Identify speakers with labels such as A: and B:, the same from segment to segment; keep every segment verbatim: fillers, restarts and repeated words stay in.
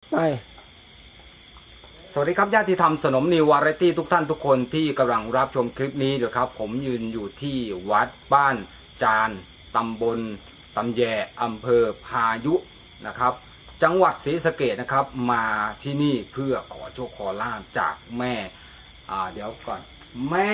A: ไป
B: สวัสดีครับญาติธรรมสนมนิววาไรตี้ทุกท่านทุกคนที่กำลังรับชมคลิปนี้อยู่ครับผมยืนอยู่ที่วัดบ้านจานตำบลตำแยอำเภอพายุนะครับจังหวัดศรีสะเกษนะครับมาที่นี่เพื่อขอโชคขอลาภจากแม่อ่าเดี๋ยวก่อนแม่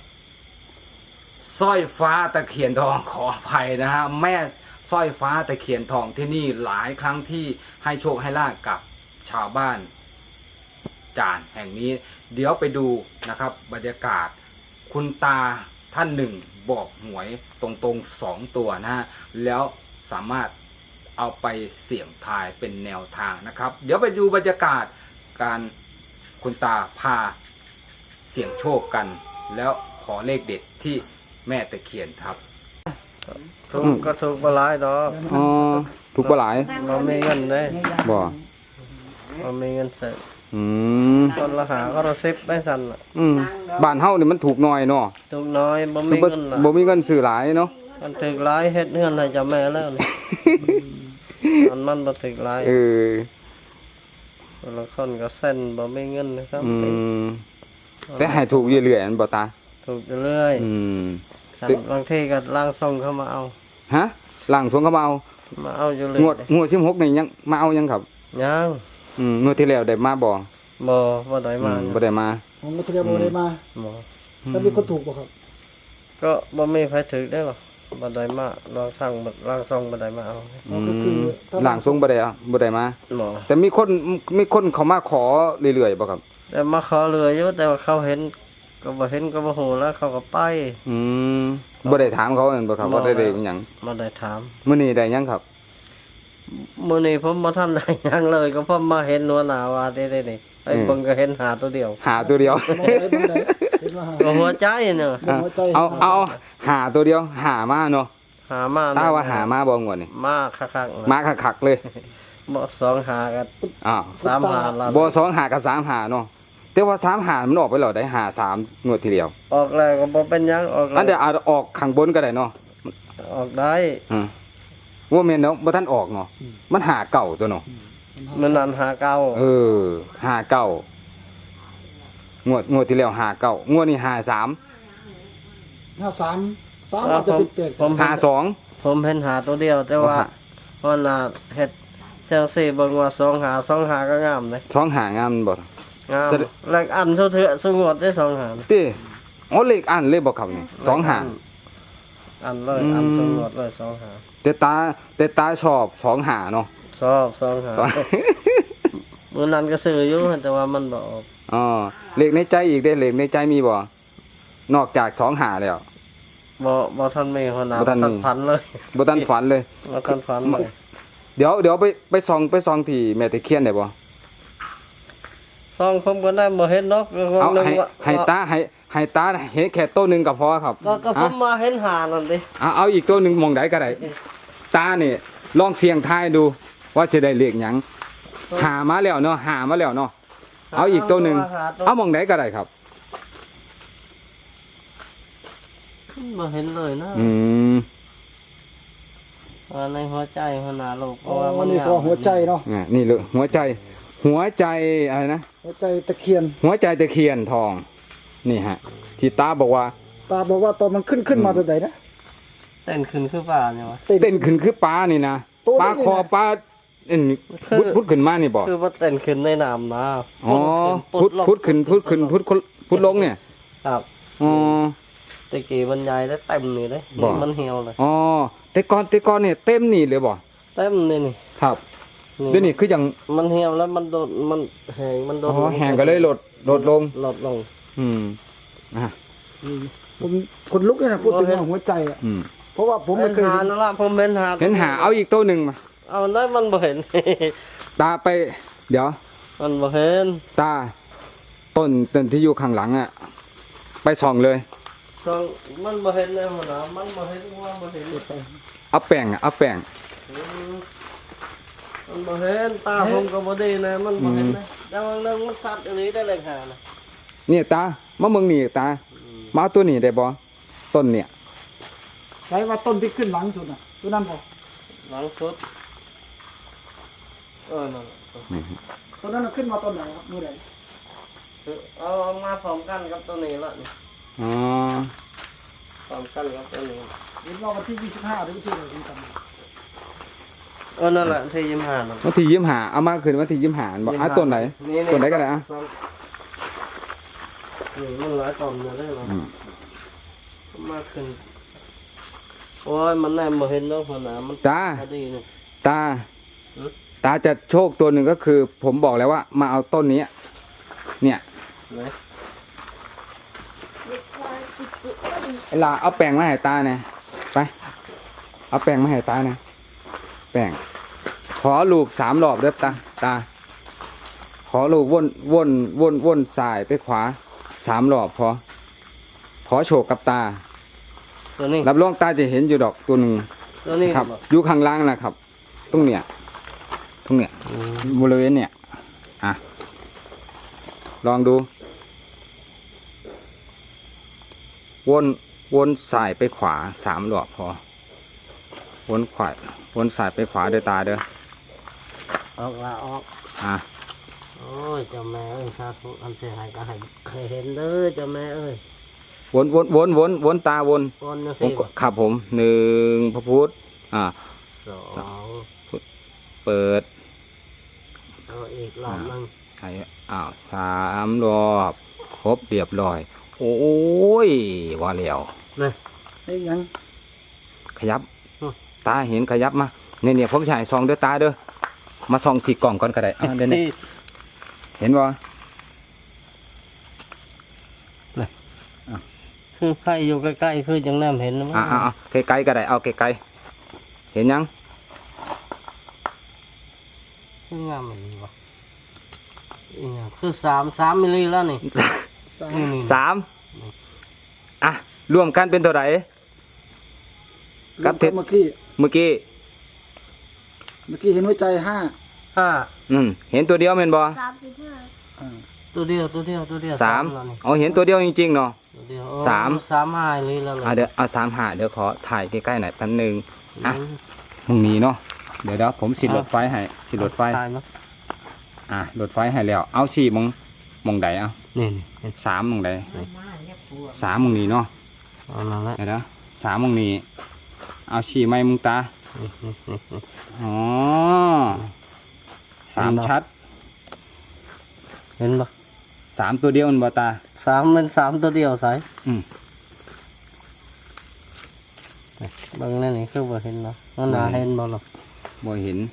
B: สร้อยฟ้าตะเคียนทองขออภัยนะฮะแม่สร้อยฟ้าตะเคียนทองที่นี่หลายครั้งที่ให้โชคให้ลาภกับชาวบ้านจานแห่งนี้เดี๋ยวไปดูนะครับบรรยากาศคุณตาท่านหนึ่งบอกหวยตรงๆสองตัวนะฮะแล้วสามารถเอาไปเสี่ยงทายเป็นแนวทางนะครับเดี๋ยวไปดูบรรยากาศการคุณตาพาเสี่ยงโชคกันแล้วขอเลขเด็ดที่แม่ตะเคียนครับ
C: ถูกก็ถูกบหลายดอก
B: อ๋อถูกปลาไหล
C: บ่มีเงินเลย
B: บ่
C: บ่มีเงินใส่
B: อืม
C: คนละหาก็ละสิบได้สั่นน่ะ
B: อืมบ้านเฮานี่มันถูกหน่อยเนาะ
C: ถูกน้อยบ่มี
B: บ่
C: เงินล่ะ
B: บ่มีเงินซื้อหลายเนาะ
C: มันถึกหลายเฮ็ดเงินให้เจ้าแม่แล้วนี่ มันมันบ่ถึกหลาย
B: เออ
C: คนละคนก็เส้นบ่มีเงินนะครับ
B: อืมแต่ให้ถูกเรื่อยๆอันบ่ตา
C: ถูกเรื่อย
B: อืม
C: ๆครับบางทีก็ล่างส่งเข้ามาเอา
B: ฮะหลังสงเขามาเอา
C: มาเอาอยู่เรื่อย
B: งวดงวดสิบหกนี่ยังมาเอายังครับ
C: ยัง
B: อืมงวดที่แล้วได้มาบ่
C: บ่บ่ได้
B: อื
C: มาม
B: บ่ได้มา
A: ผมก็เตรียมโมได้มา
C: บ่
A: แล้วมีคนถูกป่ะครับ
C: ก็บ่มีไผถึกได้หรอกบ่ได้มาลองสั่งบ่ล่างส่งบ่ได้มาเอา
B: อื
A: ก็คือ
B: ม
A: ถ้า
B: หลังสงบ่ได้อะบ่ได้มา
C: บ่
B: แต่มีคนมีคนเขามาขอเรื่อยๆบ่ครับ
C: แต่มาขอเรืออยู่แต่ว่าเขาเห็นก็บ่เห็นก็บ่ฮู้แล้วเขาก็ไป
B: อืมบ่ได้ถามเขานั่นบ่ครับว่าได้เลขอิหยัง
C: มาได้ถาม
B: มื้อนี้ได้หยังครับ
C: มื้อนี้ผมบ่ทันได้หยังเลยก็ผมมาเห็นหัวหน้าว่าได้ได้นี่ไอ้เบิ่งก็เห็นหาตัวเดียว
B: หาตัวเดียว
A: มองได้มองได้เห็นว่าหา
C: ก็หัวใจเนาะ
A: เห็นหัวใจ
B: เอาเอาหาตัวเดียวหามาเนาะ
C: หามา
B: ตาว่าหามาบ่งวดนี่
C: มาคักๆนะ
B: มาคักๆเลย
C: บ่สองหากัน
B: อ้าว
C: สามหาละ
B: บ่สองหากับสามหาเนาะแต่ว่าสามหามันออกไปแล้วได้หาสามงวดทีเดียว
C: ออกแล้วก็บ่เป็นหยังออกแล้
B: อั
C: วน
B: เดี๋ยวเอาออกข้างบนก็ได้เนาะ
C: ออกได้
B: อืมว่าแม่นเนาะบ่ทันออกเนาะมันหาเก่าตัวเนาะ
C: มันนั้นหาเก่า
B: เออหาเก่างวดงวดที่แล้วหาเก่างวดนี้หาสาม
A: ห้าสามสามอาจจะเป็นเปลี่ยน
C: ผม
B: หาสอง
C: ผมเห็นหาตัวเดียว แต่ว่าหัวหน้าเฮ็ดจังซี่เบิ่งว่าสองหาสองหาก็งามเลย
B: สองหางามบ่
C: งาม
B: จะ
C: แลกอันเท่าเถอะสงวดได้สองหา
B: ติอ๋อเลขอันเลยบ่ครับนี่สองหา
C: อันเลย
B: อืม
C: อันสงวดเลยสองหา
B: แต่ตาแต่ตาชอบสองหาเนาะ
C: ชอบสองหา
B: สอง
C: มื้อนั้นก็ซื้ออยู่แต่ว่ามันบ่ออก
B: อ๋อเลขในใจอีกได้เลขในใจมีบ่นอกจากสองหาแล้ว
C: บ่บ่ทันมีหัวหน้า
B: บ่ทันมี
C: พันเลย
B: บ่ทันฝันเลย
C: บ่ทันพันเลย
B: เดี๋ยวเดี๋ยวไปไปส่องไปส่องที่แม่ตะเคียนได้บ่
C: ซองผมก็ได้บ่เห็นเนาะก็คง
B: เอา
C: นึก
B: ให้
C: ว่า
B: ให้ตาให้ให้ตาเห็นแค่ตัวหนึงก็พอครับ
C: ก็ก็ผ
B: อ่ะ
C: มมาเห็นหานั่นดิ
B: เอาเอาอีกตัวหนึงมองได้ก็ได้ตานี่ลองเสี่ยงทายดู ว่าจะได้เลขหยังหามาแล้วเนาะหามาแล้วเนาะเอาอีกตัวหนึงเอามองได้ก็ได้ครับ
C: บ่เห็นเลยนะ
B: อืม
C: ว่าในหัวใจหัวหน้าโลกเพ
A: อ๋อ
C: ราะว่ามัน
A: นี่ก็หัวใจเนาะ
B: อ่ะนี่เลยหัวใจ หัวใจอะไรนะ
A: หัวใจตะเคียน
B: หัวใจตะเคียนทอง นี่ฮะ ที่ตาบอกว่า
A: ตาบอกว่าตอนมันขึ้นขึ้นมาตัวไหนนะ
C: เต้นขึ้นคือป่าเนี่ยวะ
B: เต้นขึ้นคือปลานี่นะ
A: ตัวนี้
B: ปลาคอ
A: นี่นะ
B: ปลาเอ็นพุดพุดขึ้นมานี่บอก
C: คือว่าเต้นขึ้นในน้ำนะ
B: อ๋อพุดพุดขึ้นพุดขึ้นพุดพุดลงเนี่ย
C: ครับ
B: อ๋อ
C: ตะกี้บรรยายได้เต็มนี่เลย
B: บ่
C: มันเหี่ยวเลย
B: อ๋อแต่ก่อนแต่ก่อนเนี่ยเต็มนี่เลยบ่
C: เต็มนี่นี่
B: ครับเดี๋ยวนี้คืออย่าง
C: มันเหี่ยวแล้วมันโดดมันแห้งมันโด
B: อ๋
C: ด
B: อแห้งก็เลยลดลดลง
C: ลดลง
B: อืมอ่ะ
A: ผมคนลุกเลยนะพูดถึงว่าหัวใจอ่ะ
B: อืม
A: เพราะว่าผมไม่เคย
C: หา
A: เห็น
C: นั่นละผมเห็นหา
B: เห็นหาเอาอีกตัวหนึ่งมา
C: เอาได้มันบ่เห็น
B: ตาไป เดี๋ยว
C: มันบ่เห็น
B: ตาต้นต้นที่อยู่ข้างหลังอ่ะ ไปส่องเลย
C: ตองมันบ่เห็นเลยหัวหน้ามันบ่เห็นว่าบ่เห็น
B: เอาแป้งอะเอาแป้ง
C: อืมมันบ่เห็นตาผมก็บ่ดีนะมันบ่เห็นนะแต่ว่าเรื่องมันสัตว์อันนี้ได้เลยหานะ
B: เนี่ยตามาเมืองนี่ตามาเอาตัวนี้ได้บ่ต้นเนี่ย
A: ใช้ว่าต้นที่ขึ้นหลังสุดอ่ะตัวนั้นบอก
C: หลังสุดเออนั่นแหละ
A: ตัวนั้นขึ้นมาตอนไหนครับมือไหน
C: เอามาพร้อมกันกับตัวนี้ละนี่
B: อ๋อ
C: พร้อมกันกับตัวนี้
A: เห็นว่าวันที่ยี่สิบห้าหรือที่ไหนกันกัน
C: เออนั่นแหละที่ยิ้มหานะ
B: วันที่ยิ้มหาเอามาคืนวันที่ยิ้มหาบอกอ่ะต้นไหนต้นไหนกันเลยอ่ะ
C: นี่มันหลายตอนเลยได้หรอมาขึ้นโอ้ยมันแนมมาเห็นแล้วคนน่ะมัน
B: ตา
C: ดีนี่
B: ตา ตาจะโชคตัวหนึ่งก็คือ ผมบอกแล้วว่ามาเอาต้นนี้ เนี่ย
C: ไหน
B: ไอ้ลาเอาแป้งมาให้ตาหน่อยไปเอาแป้งมาให้ตาหน่อยแป้งขอลูกสามรอบเด้อตาตา ขอลูกวนวนวนวนซ้ายไปขวาสามรอบพอขอโชคกับตา
C: ตัวนี้
B: รับรองตาจะเห็นอยู่ดอกตัวหนึ่ง
C: ตัวนี้
B: ครับอยู่ข้างล่างนะครับตรงเนี้ยตรงเนี้ยบริเวณเนี่ยอ่ะลองดู วนวนสายไปขวาสามรอบพอวนขวาวนสายไปขวาเด้อตาเด้อ
C: ออกละออก
B: อ่ะ
C: โอ้ยเจ้าแม่เอ้ยสาธุอันเสียหายก็ให้ให้เห็นเด้อเจ้าแม่เอ้ย
B: วนวนวนวนวนตาวน
C: ก้อนนะ
B: ผ
C: สิ
B: มก็ขับผมหนึ่งพระพุทธอ่า
C: สอง
B: เปิด
C: เอาอีกรอบหนึง
B: ไอ้อ้าวสามรอบครบเรียบร้อย โอ้ยว่าแล้ว
C: นี่
A: ไอ้ยัง
B: ขยับ ตาเห็นขยับมาเนี่ยเนี่ยผมฉายซองเด้อตาเด้อมาซองที่กล่องก่อนก็ได้อ่ะเดี๋ยวนี้เห็นบ่
C: คือใครอยู่ใกล้ๆคือจังแนมเห็นนะมั้ง
B: อ่ะอ่ะอ่ะไกลๆก็ได้เอาไกลๆเห็นยัง
C: คืองามเลยว่ะอีหยังคือสามสามมิลลิแล้วนี่
A: สาม
C: นี่นี่
B: สามอ่ะรวมกันเป็นเท่าไหร่ ครับเท็จ
A: เมื่อกี้
B: เมื่อกี้
A: เมื่อกี้เห็นหัวใจห้า
C: ห้า
B: อืมเห็นตัวเดียวแม่นบ่
D: สามสิบห้า
A: อ่า
C: ตัวเดียวตัวเดียวตัวเดียว
B: สาม
C: แล้วนี่
B: เอาเห็นตัวเดียวจริงๆเนาะ
C: ตัวเดียวโอ้
B: สาม
C: สามห้าเลยแล้วเลย
B: อ่ะเดี๋ยวเอาสามหาเดี๋ยวขอถ่ายใกล้ๆหน่อยแป๊บหนึง อ่ะ
C: อืม
B: มึงนี้เนาะเดี๋ยวเดี๋ยวผมสิรถไฟให้สิรถไฟ
C: ตายมั้ย
B: อ่ะรถไฟให้แล้ว เอาสี่มงมงใดเอา
C: นี่นี่
B: สามมงใดสามมงนี้เนาะ
C: เอานั่นแหละ
B: เดี๋ยวนะสามมงนี้เอาสี่ไม้มึงตา
C: นี่นี่นี่นี่
B: อ๋อสามชัด
C: เห็นปะ
B: สามตัวเดียวมันบ่ตา
C: สามเป็นสามตัวเดียวใส่
B: อืม
C: บางนั่นนี่คือบ่เห็นเนาะมันน่าเห็นบ่หรอก
B: บ่เห็น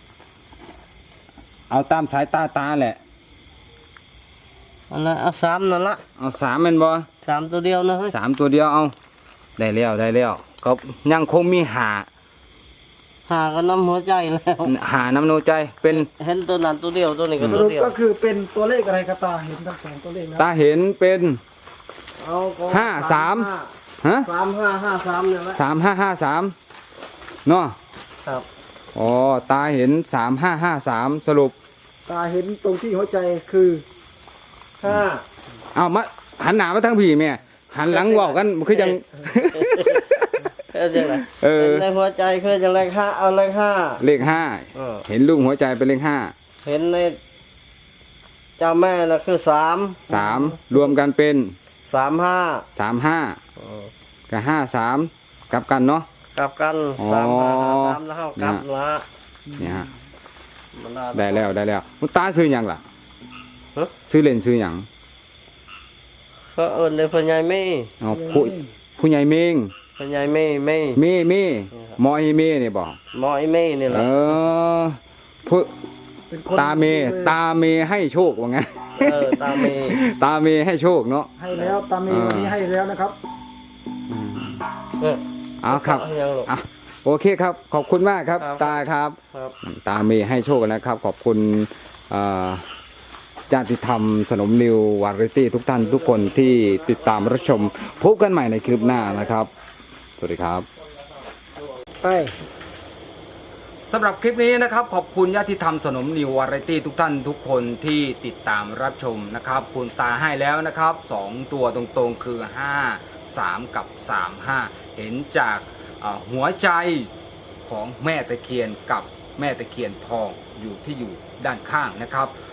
B: เอาตามสายตาตาแหละ
C: อันนั้นเอาสามนั่นละ
B: เอาสามแมันบ่
C: สามตัวเดียวนะเฮ้ย
B: สามตัวเดียวเอา ได้แล้วได้แล้วก็ยังคงมีหา
C: หาก็น้ำหัวใจแล้ว
B: หาน้ำโนใจเป็น
C: เห็นตัวนั้นตัวเดียวตัวนี้ก็
A: ส
C: ตัว
A: รุป
C: เดียว
A: ก็คือเป็นตัวเลขอะไรครับตาเห็นทั้งสองตัวเลขแล้ว
B: ตาเห็นเป็น
C: เอาก็
B: ห้าสาม ฮะ
C: สามห้าห้าสามเนี่ยแหละ
B: สามห้าห้าสามเนาะ
C: ครับ
B: อ๋อตาเห็นสามห้าห้าสามสรุป
A: ตาเห็นตรงที่หัวใจคือ
C: ห้า
B: เอามาหันหน้ามาทางพี่แม่หันหลังเว่ากันคือยัง
C: เออจังไร
B: เออ
C: ในหัวใจคือจังเลขห้าเอาเลขห้า
B: เลขห้า
C: เออ
B: เห็นลูกหัวใจเป็นเลขห้า
C: เห็นในเจ้าแม่น่ะคือสาม
B: สามรวมกันเป็น
C: สามห้า
B: สามห้ากับห้าสามกลับกันเนาะ
C: กลับกัน
B: อ๋อ
C: สามห้าห้าสามแล้วเข้ากลับละ
B: เนี่ยฮะ
C: มัน
B: ได้แล้วได้แล้วมุตาซื้อหยังล่ะ
C: ฮะ
B: ซื้อเล่นซื้อหยัง
C: ก็เอิญในพ่อใหญ่ไม่
B: เอาผู้ผู้ใหญ่เมง
C: พ่อใหญ่ไม่ไม่
B: เมเมหมอไอเมเนี่ยบอก
C: หมอไอ้ไม่นี่แห
B: เอ
C: ละ
B: อผู้
A: เป็นคน
B: ตาเมตาเมให้โชคว่าไง
C: เออตาเม
B: ตาเมให้โชคเนาะ
A: ให้แล้วตาเมวันนี้ให้แล้วนะครับ
C: เออ
B: เอาครับ
C: เอายังหรอก
B: อ่ะโอเคครับ ขอบคุณมากครับ
C: ครับ
B: ตาครับ
C: ครับ
B: ตาเมให้โชคกันนะครับ ขอบคุณเอ่อญาติธรรมสนมนิววาไรตี้ทุกท่านทุกคนที่ติดตามรับชมพบกันใหม่ในคลิปหน้านะครับ สวัสดีครับ
A: ไป
B: สำหรับคลิปนี้นะครับขอบคุณญาติธรรมสนมนิววาไรตี้ทุกท่านทุกคนที่ติดตามรับชมนะครับคุณตาให้แล้วนะครับสองตัวตรงๆคือห้าสามกับสามห้าเห็นจากเอ่อหัวใจของแม่ตะเคียนกับแม่ตะเคียนทองอยู่ที่อยู่ด้านข้างนะครับ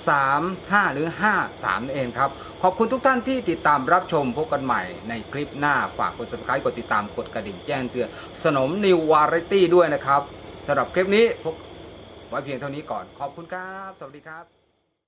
B: สามห้าหรือห้าสามนั่นเองครับขอบคุณทุกท่านที่ติดตามรับชมพบกันใหม่ในคลิปหน้าฝากกด ซับสไครบ์ กดติดตามกดกระดิ่งแจ้งเตือนสนมนิววาไรตี้ด้วยนะครับสำหรับคลิปนี้พบไว้เพียงเท่านี้ก่อนขอบคุณครับสวัสดีครับ